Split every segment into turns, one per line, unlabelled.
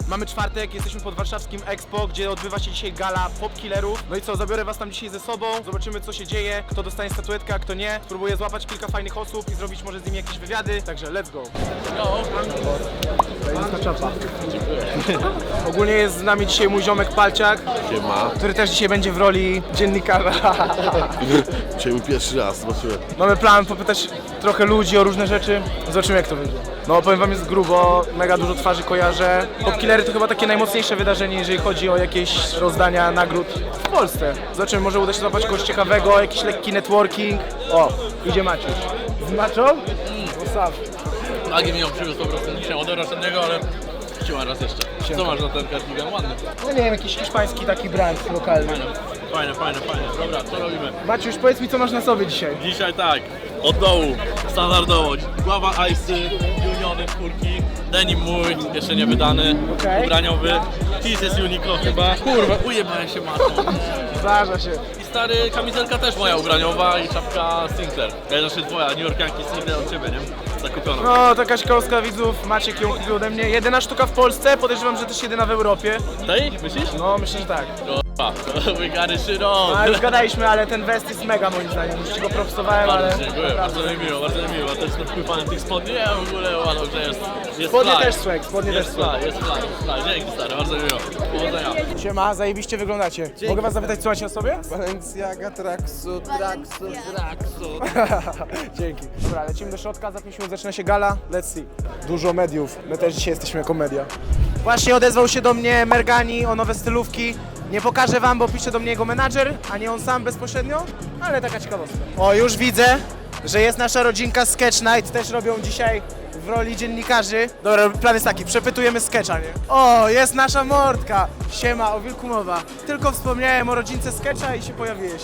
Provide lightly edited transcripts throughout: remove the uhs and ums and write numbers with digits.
Mamy czwartek, jesteśmy pod warszawskim Expo, gdzie odbywa się dzisiaj gala popkillerów. No i co, zabiorę was tam dzisiaj ze sobą, zobaczymy co się dzieje, kto dostanie statuetkę, a kto nie. Spróbuję złapać kilka fajnych osób i zrobić może z nimi jakieś wywiady, także let's go. Ogólnie jest z nami dzisiaj mój ziomek Palciak,
Siema.
który też dzisiaj będzie w roli dziennikarza.
Dzisiaj mój pierwszy raz, zobaczyłem.
Mamy plan popytać trochę ludzi o różne rzeczy, zobaczymy jak to będzie. No powiem wam, jest grubo, mega dużo twarzy kojarzę. Popkillery to chyba takie najmocniejsze wydarzenie, jeżeli chodzi o jakieś rozdania nagród w Polsce. Zobaczymy, może uda się złapać kogoś ciekawego, jakiś lekki networking. O, idzie Maciuś. Z Maczą? Sam.
Agi mi ją przywiózł po prostu dzisiaj od rocznego, ale chciałem raz jeszcze. Co masz na ten kardigan? Ładny.
No nie wiem, jakiś hiszpański taki brand lokalny.
Fajne. Dobra, co robimy?
Maciuś, powiedz mi co masz na sobie dzisiaj.
Dzisiaj tak, od dołu, standardowo. Gława Icy, Uniony, skórki, denim mój, jeszcze nie wydany,
Okej.
ubraniowy. His jest Uniqlo chyba. Kurwa, ujebałem się matą.
Zdarza się.
I stary, kamizelka też moja ubraniowa i czapka Sinclair. Znaczy twoja, New Yorkianki Sinclair od ciebie, nie? Zakupiona.
No, taka ciekawostka widzów, Maciek ją kupił ode mnie. Jedyna sztuka w Polsce, podejrzewam, że też jedyna w Europie.
Tej? Myślisz?
No, myślę, że tak.
Kurwa, we got it shit on.
A już gadaliśmy, ale ten west jest mega moim zdaniem. Już ci go propsowałem, ale...
Bardzo dziękuję, bardzo mi miło, bardzo mi miło. Też jestem fanem tych spodni, ja w ogóle uważam, że jest
Spodnie
fly.
też swag, spodnie też
Jest
swag.
fly, jest fly. Dzięki stary, bardzo mi miło. Powodzenia.
Siema, zajebiście wyglądacie. Mogę was zapytać, co macie na sobie?
Balenciaga, tracksuit.
Dzięki. Dobra, lecimy do środka, za 5 minut zaczyna się gala. Let's see. Dużo mediów, my też dzisiaj jesteśmy jako media. Właśnie odezwał się do mnie Mergani o nowe stylówki. Nie pokażę wam, bo pisze do mnie jego menadżer, a nie on sam bezpośrednio, ale taka ciekawostka. O, już widzę, że jest nasza rodzinka Sketch Night, też robią dzisiaj w roli dziennikarzy. Dobra, plan jest taki, przepytujemy sketcha, nie? O, jest nasza mordka! Siema, o wilku mowa. Tylko wspomniałem o rodzince sketcha i się pojawiłeś.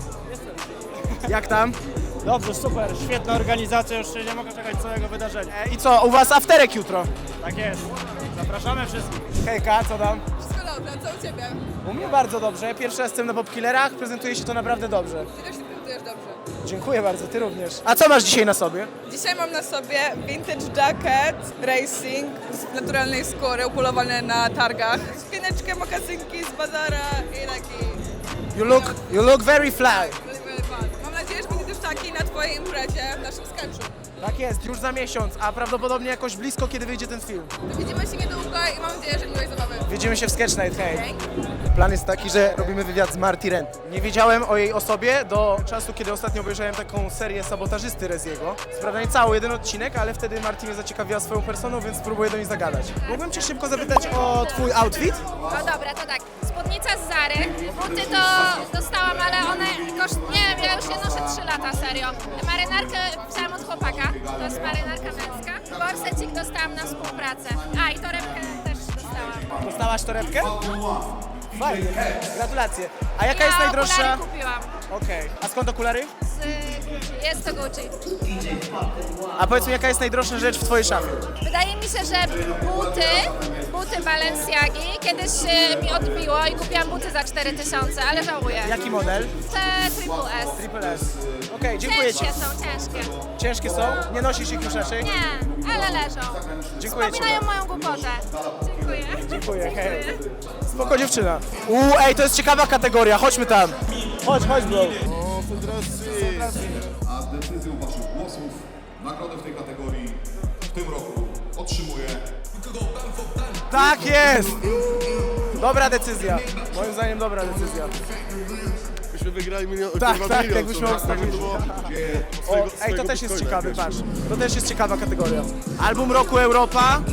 Jak tam?
Dobrze, super, świetna organizacja, już się nie mogę czekać całego wydarzenia.
I co, u was afterek jutro?
Tak jest. Zapraszamy wszystkich.
Hejka, co tam?
Wszystko dobrze, co u Ciebie?
U mnie bardzo dobrze. Pierwszy raz jestem na popkillerach, prezentuje się to naprawdę dobrze.
Ty też się prezentujesz dobrze.
Dziękuję bardzo, ty również. A co masz dzisiaj na sobie?
Dzisiaj mam na sobie vintage jacket racing z naturalnej skóry, upolowany na targach. Spineczkę, mokasynki z bazara i taki...
You look very fly.
really fun. Mam nadzieję, że będzie też taki na Twojej imprezie w naszym sketchu.
Tak jest, już za miesiąc, a prawdopodobnie jakoś blisko, kiedy wyjdzie ten film.
To widzimy się niedługo i mam nadzieję, że miłej zabawy.
Widzimy się w Sketch Night, hej.
Dzięki.
Plan jest taki, że robimy wywiad z Marty Rent. Nie wiedziałem o jej osobie do czasu, kiedy ostatnio obejrzałem taką serię sabotażysty Reziego. Sprawda nie cały jeden odcinek, ale wtedy Marty mnie zaciekawiła swoją personą, więc spróbuję do niej zagadać. Mógłbym cię szybko zapytać o twój outfit?
No dobra, to tak. Spódnica z Zary. Buty to dostałam, ale one nie wiem, ja już je noszę 3 lata, serio. Marynarkę wziąłam od chłopaka, to jest marynarka męska. Borsecik dostałam na współpracę. A i torebkę też dostałam.
Dostałaś torebkę? Fajnie, gratulacje. A jaka jest
Ja
najdroższa?
okulary kupiłam.
Okej. A skąd okulary?
Jest to Gucci.
A powiedz mi, jaka jest najdroższa rzecz w twojej szafie?
Wydaje mi się, że buty Balenciagi kiedyś mi odbiło i kupiłam buty za 4000, ale żałuję.
Jaki model?
Te Triple S.
Triple S. Okej, dziękuję ci.
Ciężkie są, ciężkie.
Ciężkie są? Nie nosisz ich już raczej?
Nie, ale leżą.
Dziękuję ci.
Wspominają moją głupotę. Dziękuję.
Dziękuję, hej. Spoko dziewczyna. Ej, to jest ciekawa kategoria, chodźmy tam. Chodź, bro.
O, Federacji.
A decyzją waszych głosów nagrodę w tej kategorii w tym roku otrzymuje
Tak jest! Dobra decyzja. Moim zdaniem dobra decyzja.
Myśmy wygrali milion.
Tak,
kurwa,
tak,
milion,
jakbyśmy
co?
obstawili.
To było-
Ej, to też jest
bitcoina
ciekawy,
jakiegoś.
patrz. To też jest ciekawa kategoria. Album roku Europa.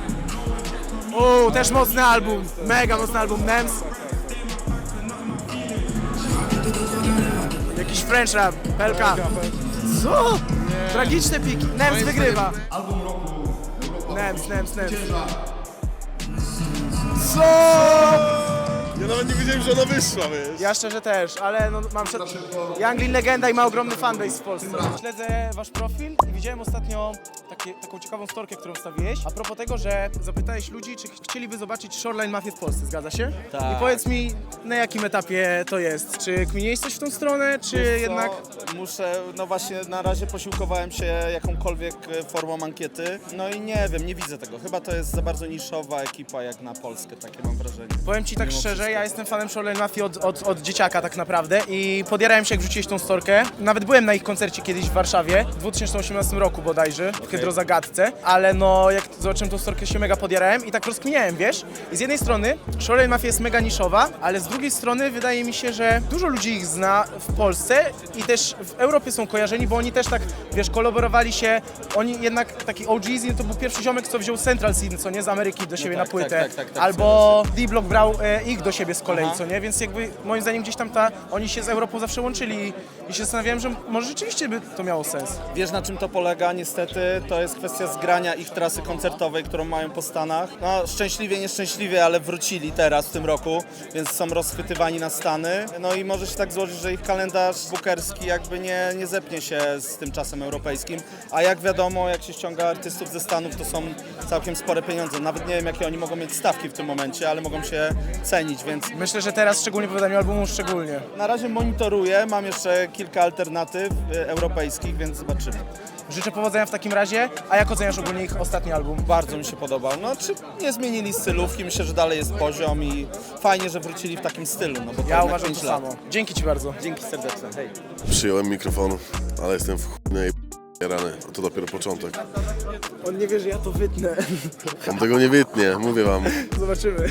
Też mocny album. Mega mocny album. Nems. Jakiś French rap. Pelka. Co? Tragiczne piki. Nems wygrywa.
album roku Europa.
Nems.
Ciężar.
Co?
Ja nawet nawet nie wiedziałem, że ona wyszła, wiesz.
Ja szczerze też, ale no mam Younglin legenda i ma ogromny fanbase w Polsce. Śledzę wasz profil i widziałem ostatnio taką ciekawą storkę, którą wstawiłeś. A propos tego, że zapytałeś ludzi, czy chcieliby zobaczyć Shoreline Mafię w Polsce, zgadza się?
Tak.
I powiedz mi, na jakim etapie to jest? Czy kminiłeś coś w tą stronę, czy
Wiesz co,
jednak...
Muszę, no właśnie na razie posiłkowałem się jakąkolwiek formą ankiety, no i nie wiem, nie widzę tego. Chyba to jest za bardzo niszowa ekipa jak na Polskę, takie mam wrażenie.
Powiem ci tak
Mimo
szczerze,
wszystko.
ja jestem fanem Shoreline Mafii od dzieciaka tak naprawdę i podjarałem się, jak wrzuciłeś tą storkę. Nawet byłem na ich koncercie kiedyś w Warszawie, w 2018 roku bodajże, w Hydrozagadce, ale no jak zobaczyłem tą storkę, się mega podjarałem i tak rozkminiałem, wiesz? I z jednej strony Shoreline Mafia jest mega niszowa, ale z drugiej strony wydaje mi się, że dużo ludzi ich zna w Polsce i też w Europie są kojarzeni, bo oni też tak, wiesz, kolaborowali się, oni jednak, taki OGZ to był pierwszy ziomek, co wziął Central Scene, co nie, z Ameryki do siebie
tak,
na płytę,
tak,
albo D-Block brał ich do siebie z kolei, co nie, więc jakby moim zdaniem gdzieś tam oni się z Europą zawsze łączyli i się zastanawiałem, że może rzeczywiście by to miało sens.
Wiesz, na czym to polega? Niestety to jest kwestia zgrania ich trasy koncertowej, którą mają po Stanach. No szczęśliwie, nieszczęśliwie, ale wrócili teraz w tym roku, więc są rozchwytywani na Stany. No i może się tak złożyć, że ich kalendarz bookerski jakby nie zepnie się z tym czasem europejskim. A jak wiadomo, jak się ściąga artystów ze Stanów, to są całkiem spore pieniądze. Nawet nie wiem, jakie oni mogą mieć stawki w tym momencie, ale mogą się cenić, więc
Myślę, że teraz szczególnie po wydaniu albumu szczególnie.
na razie monitoruję. Mam jeszcze kilka alternatyw europejskich, więc zobaczymy.
Życzę powodzenia w takim razie, a jak oceniasz ogólnie ich ostatni album?
Bardzo mi się podobał. No, czy nie zmienili stylówki? Myślę, że dalej jest poziom i fajnie, że wrócili w takim stylu, no bo to
Ja
jednak
uważam
5
to
lat.
samo. Dzięki ci bardzo.
Dzięki serdeczne. Hej.
Przyjąłem mikrofon, ale jestem w chujnej rany. To dopiero początek.
On nie wie, że ja to wytnę.
On tego nie wytnie, mówię wam.
Zobaczymy.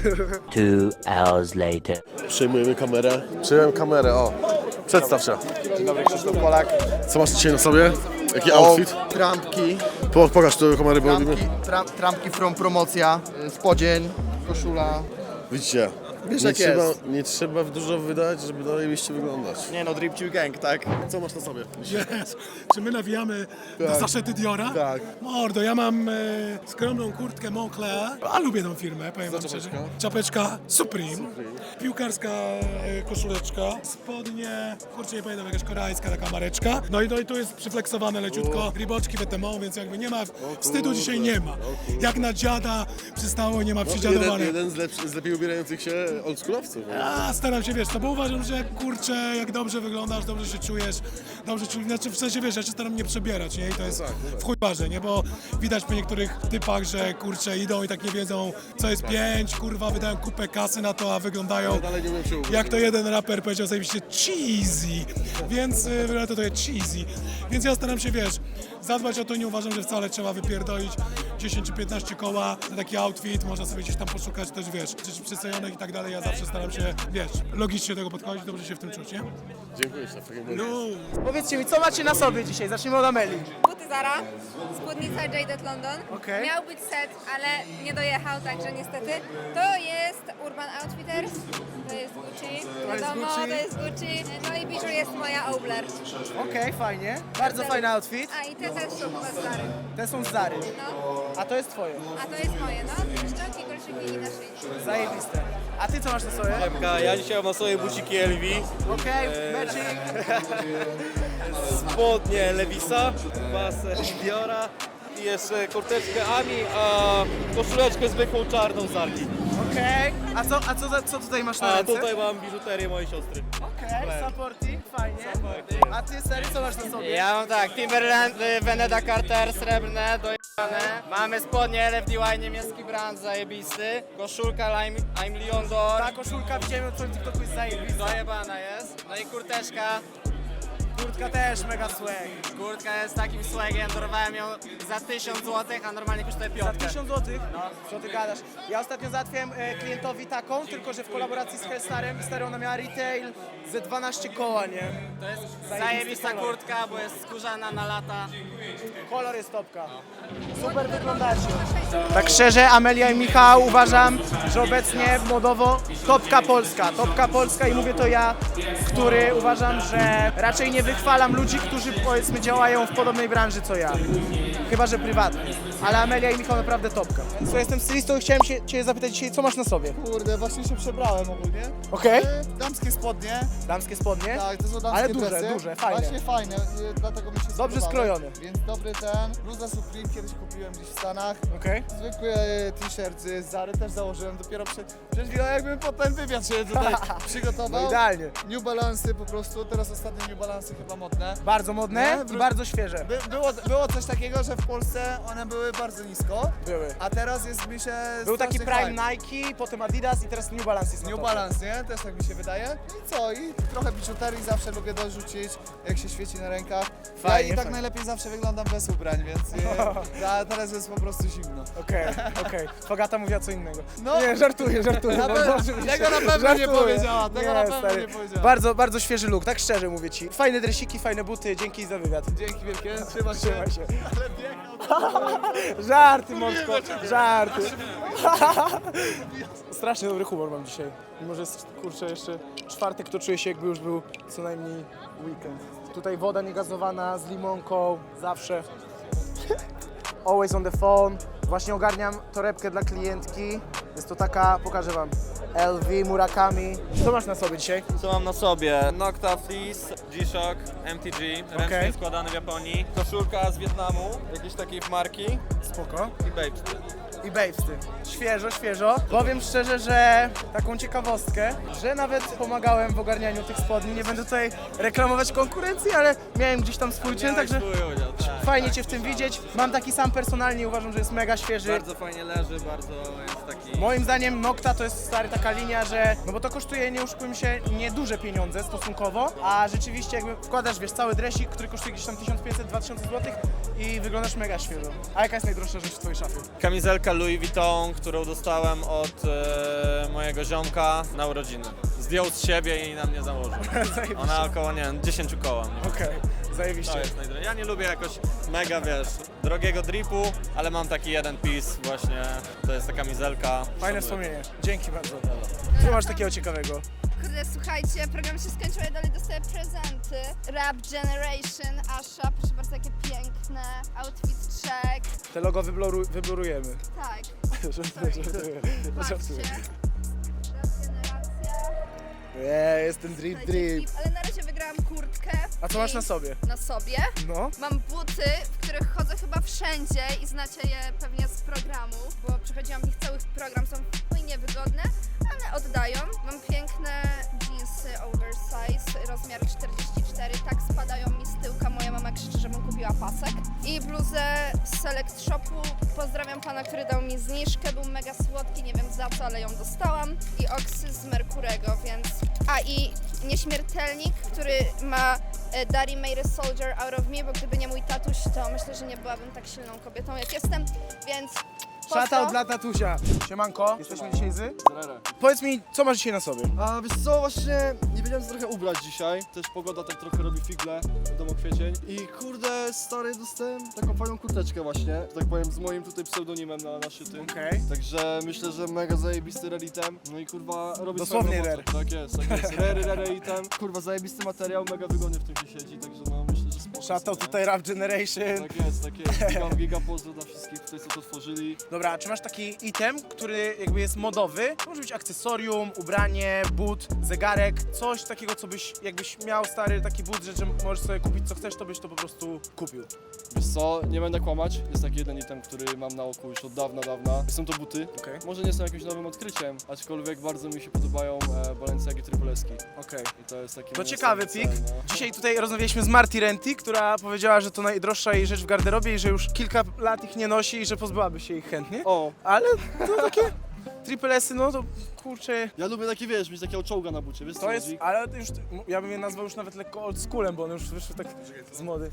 2 hours later.
Przejmujemy kamerę. Przyjąłem kamerę, o. Przedstaw się.
Dzień dobry, Krzysztof Polak.
Co masz dzisiaj na sobie? Jaki outfit?
Trampki,
Pokaż te kamery, bo robimy.
trampki from promocja, spodzień, koszula.
Widzicie,
Wiesz,
nie
jak
trzeba,
jest.
nie trzeba dużo wydać, żeby zajebiście wyglądać.
Nie no, Drip Chill Gang, tak?
Co masz na sobie?
Czy my nawijamy na zaszety Diora?
Tak.
Mordo, ja mam skromną kurtkę Moncler, a lubię tą firmę, powiem wam szczerze. Czapeczka Supreme, piłkarska koszuleczka, spodnie, kurczę nie pamiętam, jakaś koreańska taka mareczka. No i tu jest przyfleksowane leciutko, riboczki wetemą, więc jakby nie ma, wstydu dzisiaj nie ma. Jak na dziada przystało, nie ma przydziadowane.
Jeden z lepiej ubierających się oldschoolowców.
A staram się, wiesz, no bo uważam, że kurczę, jak dobrze wyglądasz, dobrze się czujesz, znaczy w sensie, wiesz, ja się staram nie przebierać, nie? I to jest w chuj ważne, nie? Bo widać po niektórych typach, że kurczę idą i tak nie wiedzą, co jest 5, kurwa, wydają kupę kasy na to, a wyglądają
Dalej nie umiem się ubrać.
jak to jeden raper powiedział zajebiście cheesy, więc to jest cheesy, więc ja staram się, wiesz, zadbać o to, nie uważam, że wcale trzeba wypierdolić 10 czy 15 koła na taki outfit, można sobie gdzieś tam poszukać też, wiesz, rzeczy przystrojonych i tak dalej, ja zawsze staram się, wiesz, logicznie do tego podchodzić, dobrze się w tym czuć, nie?
Dziękuję ci.
No.
Powiedzcie mi, co macie na sobie dzisiaj? Zacznijmy od Ameli.
Buty Zara, spódnica Jaded London.
Okej.
Miał być set, ale nie dojechał, także niestety. To jest Urban Outfitters, to jest Gucci, wiadomo,
Gucci.
to jest Gucci. No i biżu jest moja Obler.
Okej, fajnie. Bardzo fajny outfit.
A i te też są chyba z Zary.
Te są z Zary.
No,
A to jest twoje.
a to jest moje, no. Szczęki, kolczyki i na szyi.
Zajebiste. A ty co masz na sobie?
Ja dzisiaj mam na sobie buciki LV,
Okej, Magic.
spodnie Levisa, basę Diora i jeszcze kurteczkę Ami, a koszuleczkę zwykłą czarną z Arki.
Okej. A co tutaj masz na ręce?
mam biżuterię mojej siostry.
Okej, supporting, fajnie. A ty, Sary, co masz na sobie?
Ja mam tak, Timberland, Veneda Carter, srebrne, dojebane. Mamy spodnie LFDY, niemiecki brand, zajebisty. Koszulka I'm Leon Dor,
Ta koszulka, widziałem na twoim TikToku, jest zajebista.
dojebana jest. No i kurteczka.
Kurtka też mega swag.
Kurtka jest takim swagiem, dorwałem ją za 1000 zł, a normalnie kosztuje
Za
piątkę.
1000 zł? No. Co ty gadasz? Ja ostatnio załatwiłem klientowi taką, tylko że w kolaboracji z Hellstarem. Stary, ona miała retail ze 12 koła, nie?
To jest
Zajebisty
zajebista
kolor.
kurtka, bo jest skórzana na lata.
Kolor jest topka. Super wyglądacie. Tak szczerze, Amelia i Michał, uważam, że obecnie modowo topka Polska. Topka Polska i mówię to ja, który uważam, że raczej nie wychwalam ludzi, którzy powiedzmy działają w podobnej branży co ja. Chyba że prywatnie. ale Amelia i Michał naprawdę topka. Słuchaj, jestem stylistą i chciałem Cię zapytać dzisiaj, co masz na sobie?
Kurde, właśnie się przebrałem ogólnie.
Okej.
Damskie spodnie.
Damskie spodnie?
Tak, to są damskie
Ale duże,
dresy.
duże, fajne.
Właśnie fajne, dlatego mi się
Dobrze
spodobały.
skrojone.
Więc dobry ten. Bluza Supreme kiedyś kupiłem gdzieś w Stanach.
Okej.
Zwykły t-shirt z Zary też założyłem dopiero przed chwilą, jakbym po ten wywiad się tutaj przygotował.
No idealnie.
New Balance'y po prostu, teraz ostatnie New Balance'y chyba modne.
Bardzo modne
Nie?
i bardzo świeże.
Było coś takiego, że w Polsce one były bardzo nisko,
Były.
a teraz jest mi się
Był taki
strasznie
Prime
hype.
Nike, potem Adidas i teraz New Balance jest na
New
topie.
Balance, nie? Też tak mi się wydaje. No i co? I trochę biżuterii zawsze lubię dorzucić, jak się świeci na rękach.
Fajnie,
I tak
fajnie.
najlepiej zawsze wyglądam bez ubrań, więc a teraz jest po prostu zimno.
Okej. Fagata mówiła co innego.
No.
Nie, żartuję.
Na
No,
pewno-
oczywiście.
tego na pewno nie
Żartuję.
powiedziała, tego na pewno
stary.
nie powiedziała.
Bardzo, bardzo świeży look, tak szczerze mówię Ci. Fajne dresiki, fajne buty, dzięki za wywiad.
Dzięki wielkie, trzymaj się.
Trzymaj się.
Ale biegał.
Żarty, Moczko, żarty. Strasznie dobry humor mam dzisiaj. Mimo, że jest, kurczę, jeszcze czwartek, to czuję się, jakby już był co najmniej weekend. Tutaj woda niegazowana z limonką, zawsze. Always on the phone. Właśnie ogarniam torebkę dla klientki. Jest to taka, pokażę Wam, LV Murakami. Co masz na sobie dzisiaj?
Co mam na sobie? Nocta Fleece, G-Shock, MTG, ręcznie
Okej.
składany w Japonii. Koszulka z Wietnamu, jakiejś takiej marki
Spoko.
i babes.
I babesty. Świeżo. Powiem szczerze, że taką ciekawostkę, że nawet pomagałem w ogarnianiu tych spodni. Nie będę tutaj reklamować konkurencji, ale miałem gdzieś tam swój czyn, także
Swój udział, tak,
fajnie
tak.
Cię w tym widzieć. Mam taki sam personalnie, uważam, że jest mega świeży.
Bardzo fajnie leży, bardzo jest taki...
Moim zdaniem Nocta to jest stary taka linia, że no bo to kosztuje, nie oszukujmy się, nieduże pieniądze stosunkowo, a rzeczywiście jakby wkładasz, wiesz, cały dresik, który kosztuje gdzieś tam 1500-2000 zł i wyglądasz mega świeżo. A jaka jest najdroższa rzecz w Twojej szafie?
Kamizelka Louis Vuitton, którą dostałem od mojego ziomka na urodziny. Zdjął z siebie i na mnie założył. Ona około, nie wiem, 10 koła. Nie?
Okej,
To
zajebiście.
jest najdroższe. Ja nie lubię jakoś mega, wiesz, drogiego dripu, ale mam taki jeden piece właśnie, to jest ta kamizelka.
Fajne
Szanuję.
wspomnienie. Dzięki bardzo. Co masz takiego ciekawego?
Kurde, słuchajcie, program się skończył, ja dalej dostaję prezenty. Rap Generation, Asha, proszę bardzo, jakie piękne. Outfit check.
Te logo wyblurujemy.
Tak,
Żartuję.
patrzcie. Rap Generacja.
Jest ten drip.
Ale na razie wygrałam kurtkę.
A co masz na sobie?
Na sobie.
No.
Mam buty, w których chodzę chyba wszędzie i znacie je pewnie z programu, bo przechodziłam ich cały program, są fajnie wygodne, ale oddają. Mam piękne jeansy oversize, rozmiar 44, tak spadają mi z tyłka, moja mama krzyczy, żebym kupiła pasek. I bluzę z Select Shopu, pozdrawiam pana, który dał mi zniżkę, był mega słodki, nie wiem za co, ale ją dostałam. I Oxy z Merkurego, więc... A i Nieśmiertelnik, który ma Daddy made a soldier out of me, bo gdyby nie mój tatuś, to myślę, że nie byłabym tak silną kobietą, jak jestem, więc...
Shoutout dla tatusia. Siemanko, jesteśmy dzisiaj z... Powiedz mi, co masz dzisiaj na sobie?
A wiesz co, właśnie nie wiedziałem co trochę ubrać dzisiaj. Też pogoda tak trochę robi figle, wiadomo kwiecień. I kurde, stary, dostałem taką fajną kurteczkę właśnie, że tak powiem, z moim tutaj pseudonimem na szytym.
Okej.
Także myślę, że mega zajebisty raritem. No i kurwa, robi
Dosłownie
swoją robotę. Tak jest. Raritem. Kurwa, zajebisty materiał, mega wygodny w tym się siedzi, także no myślę, że spoko.
Shoutout tutaj Rap Generation.
Tak jest. Giga pozdro dla wszystkich tutaj, co to tworzyli.
Dobra, czy masz taki item, który jakby jest modowy? To może być akcesorium, ubranie, but, zegarek, coś takiego, co jakbyś miał stary taki budżet, że możesz sobie kupić co chcesz, to byś to po prostu kupił.
Wiesz co, nie będę kłamać, jest taki jeden item, który mam na oku już od dawna. Są to buty.
Okej.
Może nie są jakimś nowym odkryciem, aczkolwiek bardzo mi się podobają Balenciagi Tripleski.
Okej.
I to jest taki
To
mój
ciekawy
ostatni
pik.
cel, no.
Dzisiaj tutaj rozmawialiśmy z Marty Renty, która powiedziała, że to najdroższa jej rzecz w garderobie i że już kilka lat ich nie nosi i że pozbyłaby się ich chętnie.
O,
Ale to takie triple S-y, no to kurczę,
ja lubię takie, wiesz, mieć takiego czołga na bucie, wiesz co
to jest,
chodzi?
ale już, ja bym je nazwał już nawet lekko old schoolem, bo one już wyszły tak z mody.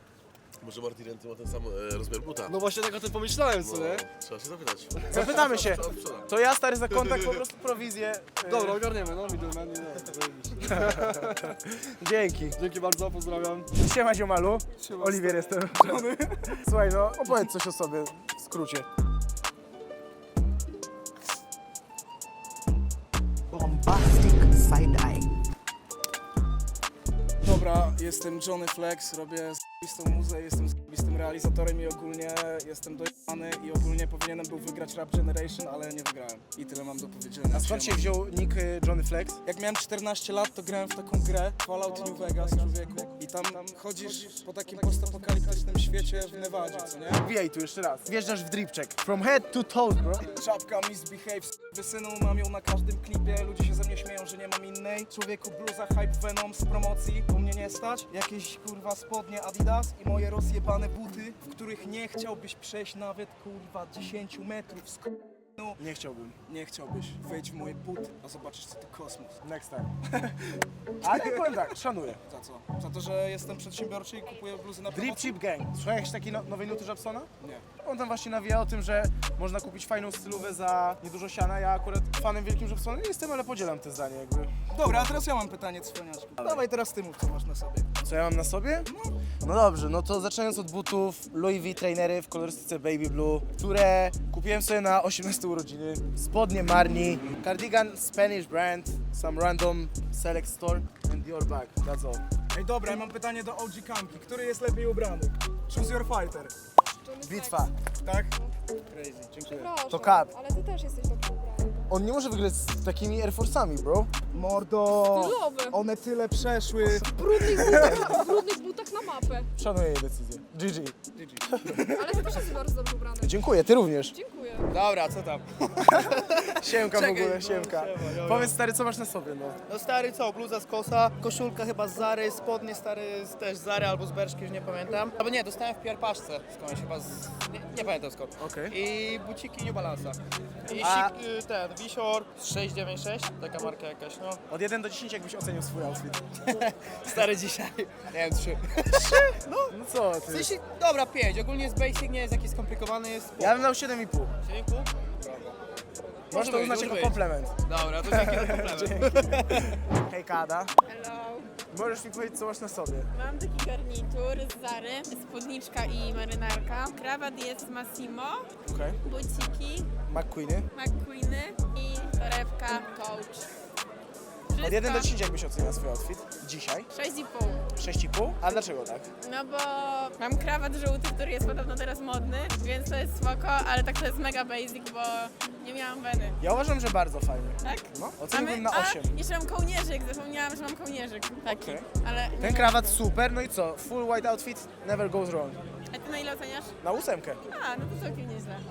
Może Martin Renty ma ten sam rozmiar buta?
No właśnie tak o tym pomyślałem, co nie?
Trzeba się zapytać.
Zapytamy się. To ja stary za kontakt po prostu prowizję.
Dobra, ogarniemy, no, middleman, no, zajebiście.
Dzięki.
Dzięki bardzo, pozdrawiam.
Siema ziomalu.
Siema,
Oliwier jestem. Słuchaj, no opowiedz coś o sobie w skrócie.
Bombastic side-eye.
Dobra, jestem Johnny Flex, robię z***istą muzę, jestem z***istym
realizatorem i ogólnie jestem dojebany i ogólnie powinienem był wygrać Rap Generation, ale nie wygrałem. I tyle mam do powiedzenia.
A skąd się wziął nick Johnny Flex?
Jak miałem 14 lat, to grałem w taką grę Fallout New Vegas, człowieku. I tam chodzisz po takim postapokaliptycznym świecie w Nevadzie, co nie?
Wbijaj tu jeszcze raz. Wjeżdżasz w drip check. From head to toe, bro.
Czapka Misbehave, wysynu mam ją na każdym klipie, ludzie się ze mnie śmieją, że nie mam innej. Człowieku, bluza Hype Venom z promocji, u mnie nie stać. Jakieś kurwa spodnie Adidas i moje rozjebane buty, w których nie chciałbyś przejść nawet kurwa 10 metrów z no,
Nie chciałbym.
nie chciałbyś. Wejdź w moje buty, a zobaczysz co to kosmos.
Next time. Ale powiem tak, szanuję.
Za co? Za to, że jestem przedsiębiorczy i kupuję bluzy na
Drip
promocji?
Chip Gang. Słuchałeś takiej nowej nuty Japsona?
Nie.
On tam właśnie nawija o tym, że można kupić fajną stylówę za niedużo siana. Ja akurat fanem wielkim Japsona nie jestem, ale podzielam te zdanie jakby.
Dobra, a teraz ja mam pytanie, cwaniaczku. Dawaj teraz ty mów, co masz na sobie.
Co ja mam na sobie? No dobrze, no to zaczynając od butów Louis V trainery w kolorystyce Baby Blue, które kupiłem sobie na 18 urodziny. Spodnie Marni, cardigan Spanish brand, some random select store and your bag, that's all.
Ej, dobra, ja mam pytanie do OG Kamki. Który jest lepiej ubrany? Choose your fighter.
Bitwa.
Tak? Crazy, dziękuję.
To Cap.
Ale ty też jesteś dobrze ubrany.
On nie może wygrać z takimi Air Force'ami, bro.
Mordo!
Stylowy.
One tyle przeszły.
W brudnych butach na mapę.
Szanuję jej decyzję. GG.
Ale ty też jesteś bardzo dobrze ubrany.
Dziękuję, ty również.
Dziękuję.
Dobra, co tam?
Siemka w
Czekaj,
ogóle,
no,
siemka.
siema.
Powiedz stary, co masz na sobie, no.
No stary co, bluza z Kosa, koszulka chyba z Zary, spodnie stary też z Zary albo z Berszki, już nie pamiętam. Albo nie, dostałem w Pierpaszce skądś chyba z... nie pamiętam skąd.
Okej.
I buciki New Balance'a. I
A-
ten, Wisior 696, taka marka jakaś, no.
Od 1 do 10 jakbyś ocenił swój outfit.
Stary dzisiaj, nie wiem, 3.
No co
W
ty?
sensie, dobra, 5, ogólnie jest basic, nie jest jakiś skomplikowany, jest...
Ja bym dał 7,5.
7,5?
Możesz to uznać jako komplement.
Dobra, to dzięki za komplement.
Hej Kada,
Hello.
możesz mi powiedzieć, co masz na sobie?
Mam taki garnitur z Zary, spódniczka i marynarka. Krawat jest z Massimo,
Okej.
buciki,
McQueeny.
McQueeny i torebka Coach.
Od 1 do 10 jakbyś oceniał swój outfit? Dzisiaj?
6,5.
6,5? A dlaczego tak?
No bo mam krawat żółty, który jest podobno teraz modny, więc to jest spoko, ale tak to jest mega basic, bo nie miałam weny.
Ja uważam, że bardzo fajny.
Tak?
No, oceniłbym na 8.
A, jeszcze mam kołnierzyk, zapomniałam, że mam kołnierzyk taki,
Okej.
ale...
Ten krawat super, no i co? Full white outfit never goes wrong.
A ty na ile oceniasz?
Na 8.
A, no to całkiem nieźle.